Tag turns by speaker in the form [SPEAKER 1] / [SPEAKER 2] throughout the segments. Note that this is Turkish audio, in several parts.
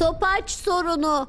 [SPEAKER 1] Topaç sorunu.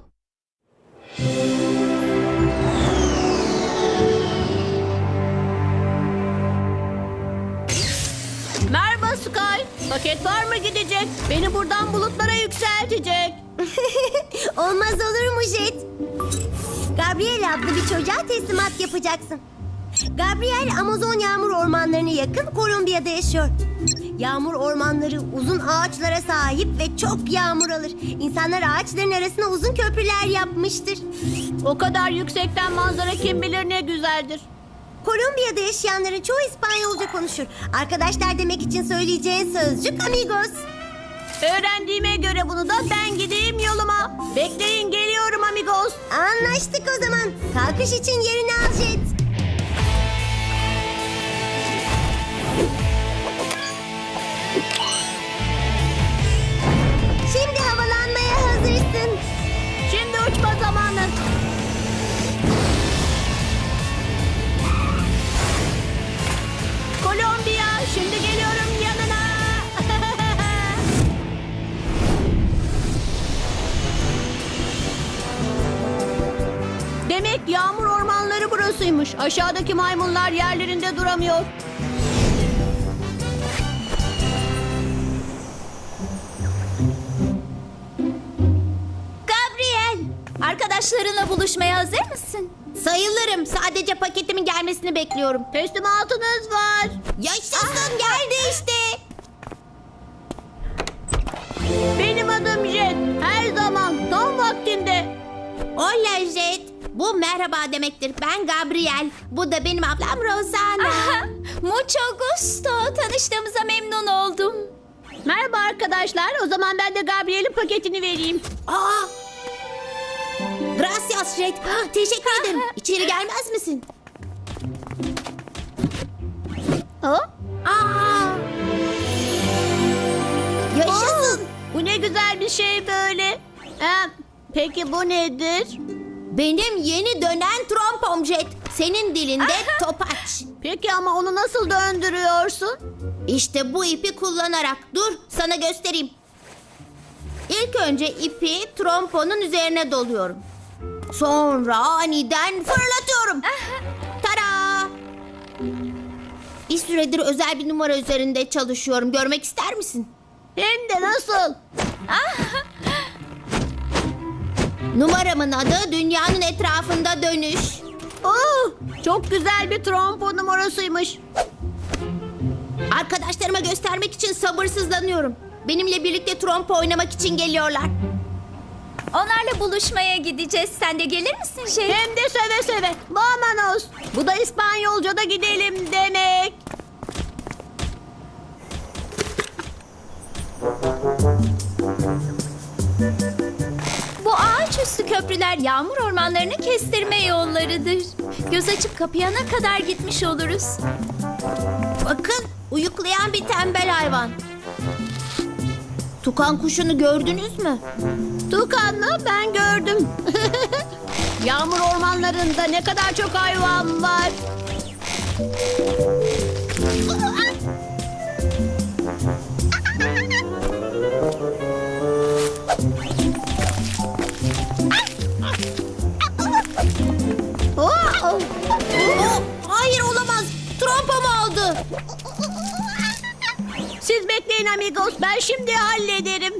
[SPEAKER 1] Merhaba Sky. Paket var mı gidecek? Beni buradan bulutlara yükseltecek.
[SPEAKER 2] Olmaz olur mu Jet? Gabriel adlı bir çocuğa teslimat yapacaksın. Gabriel Amazon yağmur ormanlarına yakın Kolombiya'da yaşıyor. Yağmur ormanları uzun ağaçlara sahip ve çok yağmur alır. İnsanlar ağaçların arasına uzun köprüler yapmıştır.
[SPEAKER 1] O kadar yüksekten manzara kim bilir ne güzeldir.
[SPEAKER 2] Kolombiya'da yaşayanların çoğu İspanyolca konuşur. Arkadaşlar demek için söyleyeceğin sözcük amigos.
[SPEAKER 1] Öğrendiğime göre bunu da ben gideyim yoluma. Bekleyin geliyorum amigos.
[SPEAKER 2] Anlaştık o zaman. Kalkış için yerini al Jet. Şimdi havalanmaya hazırsın.
[SPEAKER 1] Şimdi uçma zamanı. Kolombiya, şimdi geliyorum yanına. Demek yağmur ormanları burasıymış. Aşağıdaki maymunlar yerlerinde duramıyor.
[SPEAKER 2] Gabriel, arkadaşlarınla buluşmaya hazır mısın? Sayılırım. Sadece paketimin gelmesini bekliyorum.
[SPEAKER 1] Teslimatınız var.
[SPEAKER 2] Yaşasın, geldi işte.
[SPEAKER 1] Benim adım Jet. Her zaman tam vaktinde.
[SPEAKER 2] Hola Jet. Bu merhaba demektir. Ben Gabriel. Bu da benim ablam Rosana.
[SPEAKER 3] Mucho gusto. Tanıştığımıza memnun oldum.
[SPEAKER 1] Merhaba arkadaşlar. O zaman ben de Gabriel'in paketini vereyim.
[SPEAKER 2] Aa! Gracias Jet. Teşekkür ederim. İçeri gelmez misin?
[SPEAKER 1] Ha?
[SPEAKER 2] Aa! Yaşasın.
[SPEAKER 1] Bu ne güzel bir şey böyle. Peki bu nedir?
[SPEAKER 2] Benim yeni dönen trompom Jet. Senin dilinde topaç.
[SPEAKER 1] Peki ama onu nasıl döndürüyorsun?
[SPEAKER 2] İşte bu ipi kullanarak. Dur, sana göstereyim. İlk önce ipi tromponun üzerine doluyorum. Sonra aniden fırlatıyorum. Tara! Bir süredir özel bir numara üzerinde çalışıyorum. Görmek ister misin?
[SPEAKER 1] Hem de nasıl?
[SPEAKER 2] Numaramın adı dünyanın etrafında dönüş.
[SPEAKER 1] Çok güzel bir trompo numarasıymış.
[SPEAKER 2] Arkadaşlarıma göstermek için sabırsızlanıyorum. Benimle birlikte trompo oynamak için geliyorlar.
[SPEAKER 3] Onlarla buluşmaya gideceğiz. Sen de gelir misin şey?
[SPEAKER 1] Hem de seve seve. Vámonos. Bu da İspanyolca'da gidelim demek.
[SPEAKER 3] Bu ağaçüstü köprüler yağmur ormanlarını kestirme yollarıdır. Göz açıp kapayana kadar gitmiş oluruz.
[SPEAKER 2] Bakın, uyuklayan bir tembel hayvan. Tukan kuşunu gördünüz mü?
[SPEAKER 1] Tukan'la ben gördüm. Yağmur ormanlarında ne kadar çok hayvan var. Oh!
[SPEAKER 2] Hayır olamaz. Trompom aldı.
[SPEAKER 1] Siz bekleyin amigos. Ben şimdi hallederim.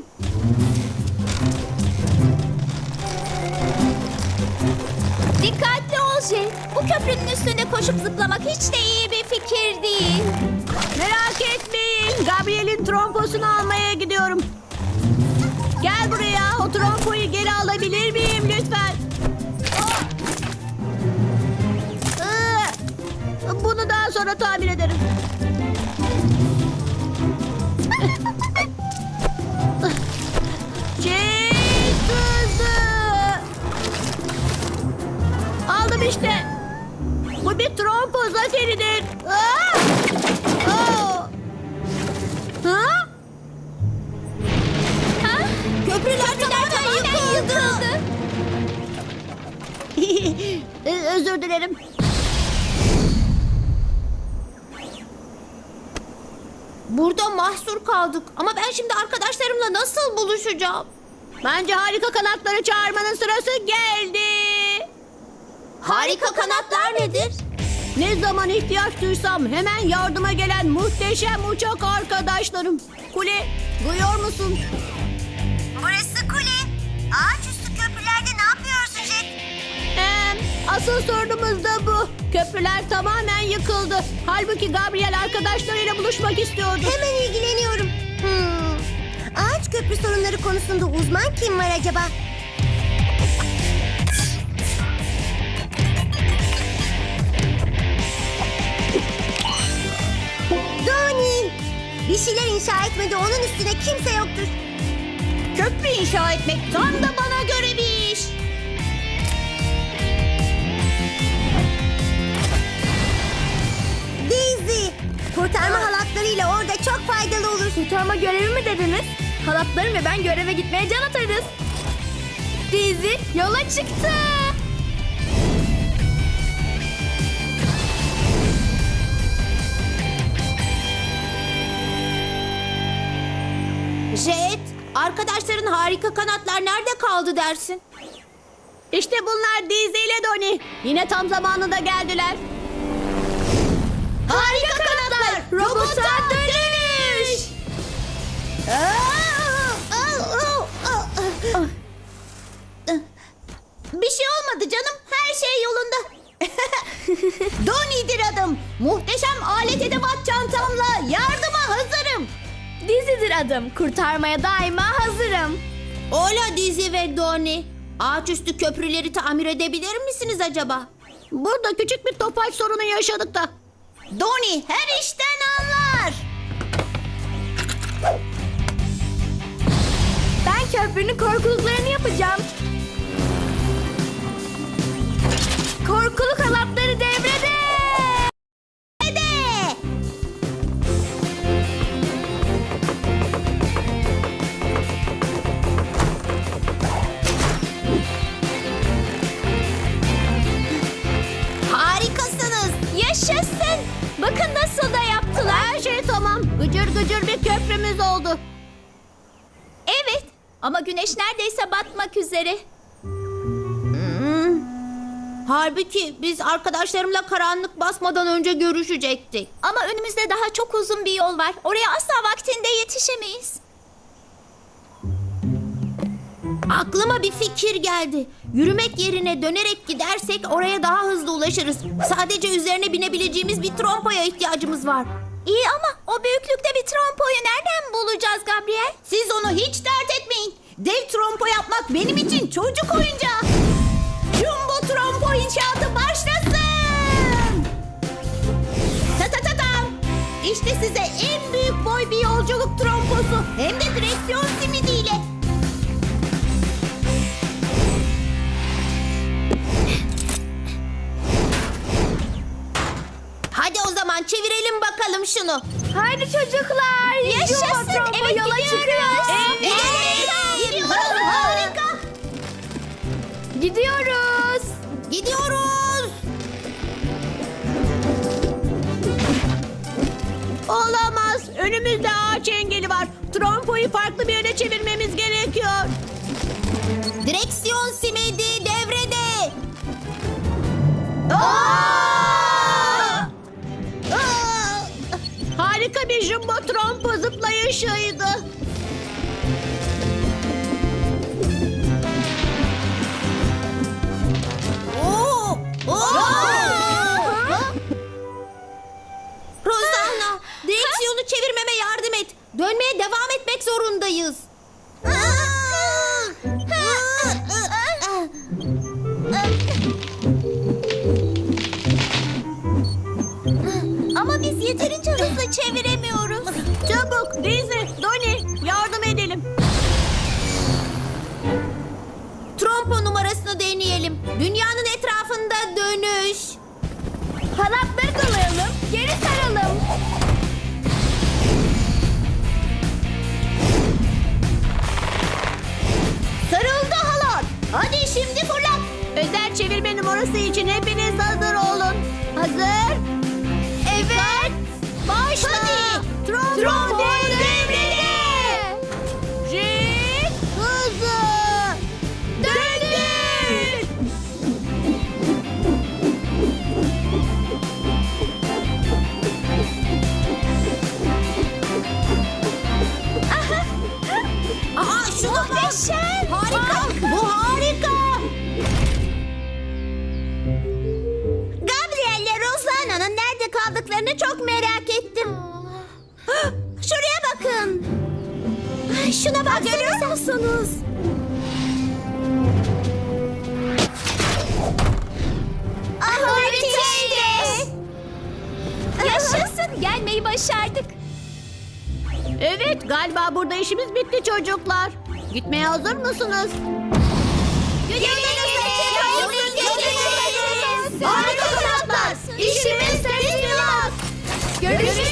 [SPEAKER 3] Dikkatli ol Jet. Bu köprünün üstünde koşup zıplamak hiç de iyi bir fikir değil.
[SPEAKER 1] Merak etmeyin. Gabriel'in tromposunu almaya gidiyorum. Gel buraya. O trompoyu geri alabilir miyim lütfen? Bunu daha sonra tamir ederim. Çek hızı. Aldım işte. Bu bir trompo zaferidir. Aa! Oo! Ha?
[SPEAKER 2] Köprüler tamamen yıkıldı.
[SPEAKER 1] Özür dilerim.
[SPEAKER 2] Burada mahsur kaldık. Ama ben şimdi arkadaşlarımla nasıl buluşacağım?
[SPEAKER 1] Bence harika kanatları çağırmanın sırası geldi.
[SPEAKER 2] Harika kanatlar nedir?
[SPEAKER 1] Ne zaman ihtiyaç duysam hemen yardıma gelen muhteşem uçak arkadaşlarım. Kule, duyuyor musun?
[SPEAKER 2] Burası kule. Ağaçüstü köprülerde ne yapıyorsun Jet?
[SPEAKER 1] Asıl sorunumuz da bu. Köprüler tamamen yıkıldı. Halbuki Gabriel arkadaşlarıyla buluşmak istiyordu.
[SPEAKER 2] Hemen ilgileniyorum. Ağaç köprü sorunları konusunda uzman kim var acaba? Doni! Bir şeyler inşa etmede onun üstüne kimse yoktur.
[SPEAKER 1] Köprü inşa etmek tam da bana göre bir iş.
[SPEAKER 2] Daisy! Kurtarma halatlarıyla orada çok faydalı olur.
[SPEAKER 3] Kurtarma görevi mi dediniz? Halatlarım ve ben göreve gitmeye can atarız. Dizi yola çıktı.
[SPEAKER 2] Jet, arkadaşların harika kanatlar nerede kaldı dersin?
[SPEAKER 1] İşte bunlar Dizi ile Doni. Yine tam zamanında geldiler. Harika kanatlar, robota dönüş. Bir şey olmadı canım. Her şey yolunda. Doni'dir adım. Muhteşem alet edevat çantamla yardıma hazırım.
[SPEAKER 3] Dizidir adım. Kurtarmaya daima hazırım.
[SPEAKER 2] Ola Dizi ve Doni. Ağaçüstü köprüleri tamir edebilir misiniz acaba?
[SPEAKER 1] Burada küçük bir topaç sorunu yaşadık da. Doni her işten anlar.
[SPEAKER 3] Ben köprünün korkuluklarını yapacağım. Korkuluk halatları devrede.
[SPEAKER 2] Harikasınız.
[SPEAKER 3] Yaşasın. Bakın nasıl da yaptılar.
[SPEAKER 1] Her şey tamam. Gıcır gıcır bir köprümüz oldu.
[SPEAKER 3] Evet ama güneş neredeyse batmak üzere.
[SPEAKER 2] Halbuki biz arkadaşlarımla karanlık basmadan önce görüşecektik.
[SPEAKER 3] Ama önümüzde daha çok uzun bir yol var. Oraya asla vaktinde yetişemeyiz.
[SPEAKER 2] Aklıma bir fikir geldi. Yürümek yerine dönerek gidersek oraya daha hızlı ulaşırız. Sadece üzerine binebileceğimiz bir trompoya ihtiyacımız var.
[SPEAKER 3] İyi ama o büyüklükte bir trompoyu nereden bulacağız Gabriel?
[SPEAKER 1] Siz onu hiç dert etmeyin. Dev trompo yapmak benim için çocuk oyuncağı. Jumbo trompo inşaatı başlasın. Ta ta ta tam. İşte size en büyük boy bir yolculuk tromposu. Hem de direksiyon simidiyle.
[SPEAKER 2] Hadi o zaman çevirelim bakalım şunu.
[SPEAKER 3] Haydi çocuklar.
[SPEAKER 2] Yaşasın,
[SPEAKER 3] Trompo
[SPEAKER 2] evet,
[SPEAKER 3] yola
[SPEAKER 2] gidiyoruz.
[SPEAKER 3] çıkıyoruz.
[SPEAKER 2] Gidiyoruz. Harika.
[SPEAKER 3] Gidiyoruz.
[SPEAKER 2] Gidiyoruz.
[SPEAKER 1] Olamaz. Önümüzde ağaç engeli var. Trompoyu farklı bir yere çevirmemiz gerekiyor.
[SPEAKER 2] Direksiyon simidi devrede.
[SPEAKER 1] Harika bir jumbo trompo zıplayışıydı.
[SPEAKER 2] Oo! Rosanna, direksiyonu çevirmeme yardım et. Dönmeye devam etmek zorundayız.
[SPEAKER 3] Ama biz yeterince hızlı çeviremiyoruz.
[SPEAKER 1] Çabuk Dizi, Doni yardım edelim.
[SPEAKER 2] Trompo numarasını deneyelim. Dünyanın etrafında dönüş.
[SPEAKER 3] Halatları dolayalım. Geri saralım.
[SPEAKER 1] Sarıldı halat. Hadi şimdi fırlat. Özel çevirme numarası için hepiniz hazır olun. Hazır? Evet. Başla. Hadi. Trompo devrede. Jet hızlı. şuna bak.
[SPEAKER 3] Muhteşem.
[SPEAKER 1] Harika. Bu harika.
[SPEAKER 2] Gabriel'le Rosana'nın nerede kaldıklarını çok merak ettim. Şuraya bakın. Şuna bak, görüyor musunuz? Müthişti.
[SPEAKER 3] Yaşasın, gelmeyi başardık.
[SPEAKER 1] Evet, galiba burada işimiz bitti çocuklar. Gitmeye hazır mısınız?
[SPEAKER 2] Harika kanatlar. İşimiz teslimat.
[SPEAKER 3] Görüşürüz.